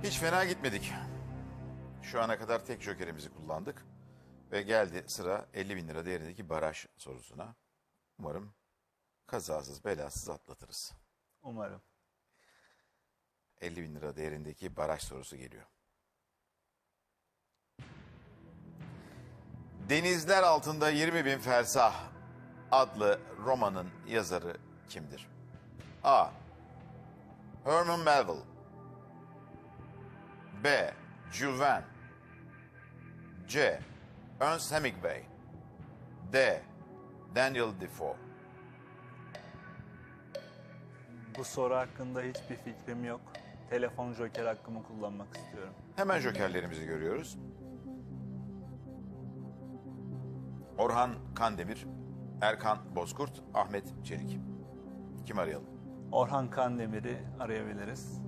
Hiç fena gitmedik. Şu ana kadar tek jokerimizi kullandık. Ve geldi sıra 50 bin lira değerindeki baraj sorusuna. Umarım kazasız belasız atlatırız. Umarım. 50 bin lira değerindeki baraj sorusu geliyor. Denizler Altında 20 Bin Fersah adlı romanın yazarı kimdir? A. Herman Melville. B. Jules Verne. C. Ernest Hemingway. D. Daniel Defoe. Bu soru hakkında hiçbir fikrim yok. Telefon joker hakkımı kullanmak istiyorum. Hemen jokerlerimizi görüyoruz. Orhan Kandemir, Erkan Bozkurt, Ahmet Çelik. Kim arayalım? Orhan Kandemir'i arayabiliriz.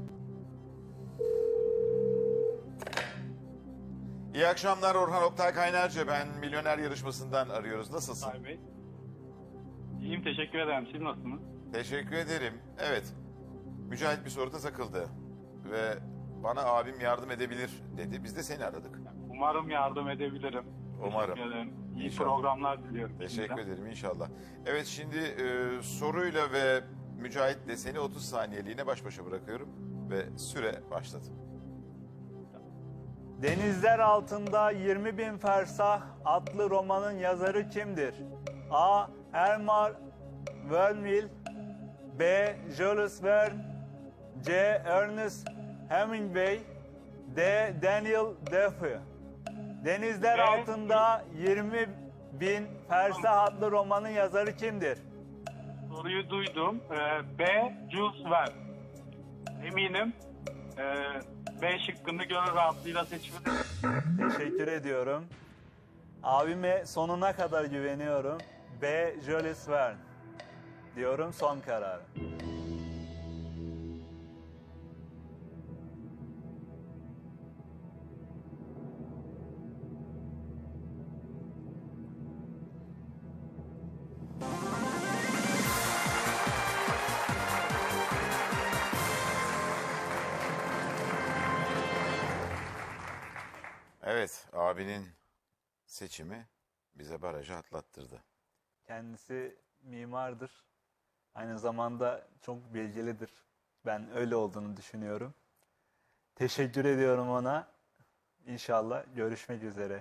İyi akşamlar Orhan Oktay Kaynarca. Ben Milyoner Yarışması'ndan arıyoruz. Nasılsın? Say Bey. İyiyim, teşekkür ederim. Siz nasılsınız? Teşekkür ederim. Evet. Mücahit bir soruda takıldı. Ve bana abim yardım edebilir dedi. Biz de seni aradık. Umarım yardım edebilirim. Umarım. Teşekkür ederim. İyi İnşallah. programlar diliyorum. Teşekkür şimdiden. ederim inşallah. Evet şimdi soruyla ve Mücahit'le seni 30 saniyeliğine baş başa bırakıyorum. Ve süre başladı. Denizler Altında 20 Bin Fersah adlı romanın yazarı kimdir? A. Herman Melville. B. Jules Verne. C. Ernest Hemingway. D. Daniel Defoe. Denizler B. Altında 20 Bin Fersah adlı romanın yazarı kimdir? Soruyu duydum. B. Jules Verne. Eminim. B şıkkını gönül rahatlığıyla seçmedim. Teşekkür ediyorum. Abime sonuna kadar güveniyorum. B. Jules Verne diyorum, son karar. Evet abinin seçimi bize barajı atlattırdı. Kendisi mimardır. Aynı zamanda çok bilgilidir. Ben öyle olduğunu düşünüyorum. Teşekkür ediyorum ona. İnşallah görüşmek üzere.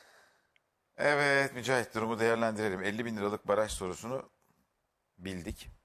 Evet Mücahit durumu değerlendirelim. 50 bin liralık baraj sorusunu bildik.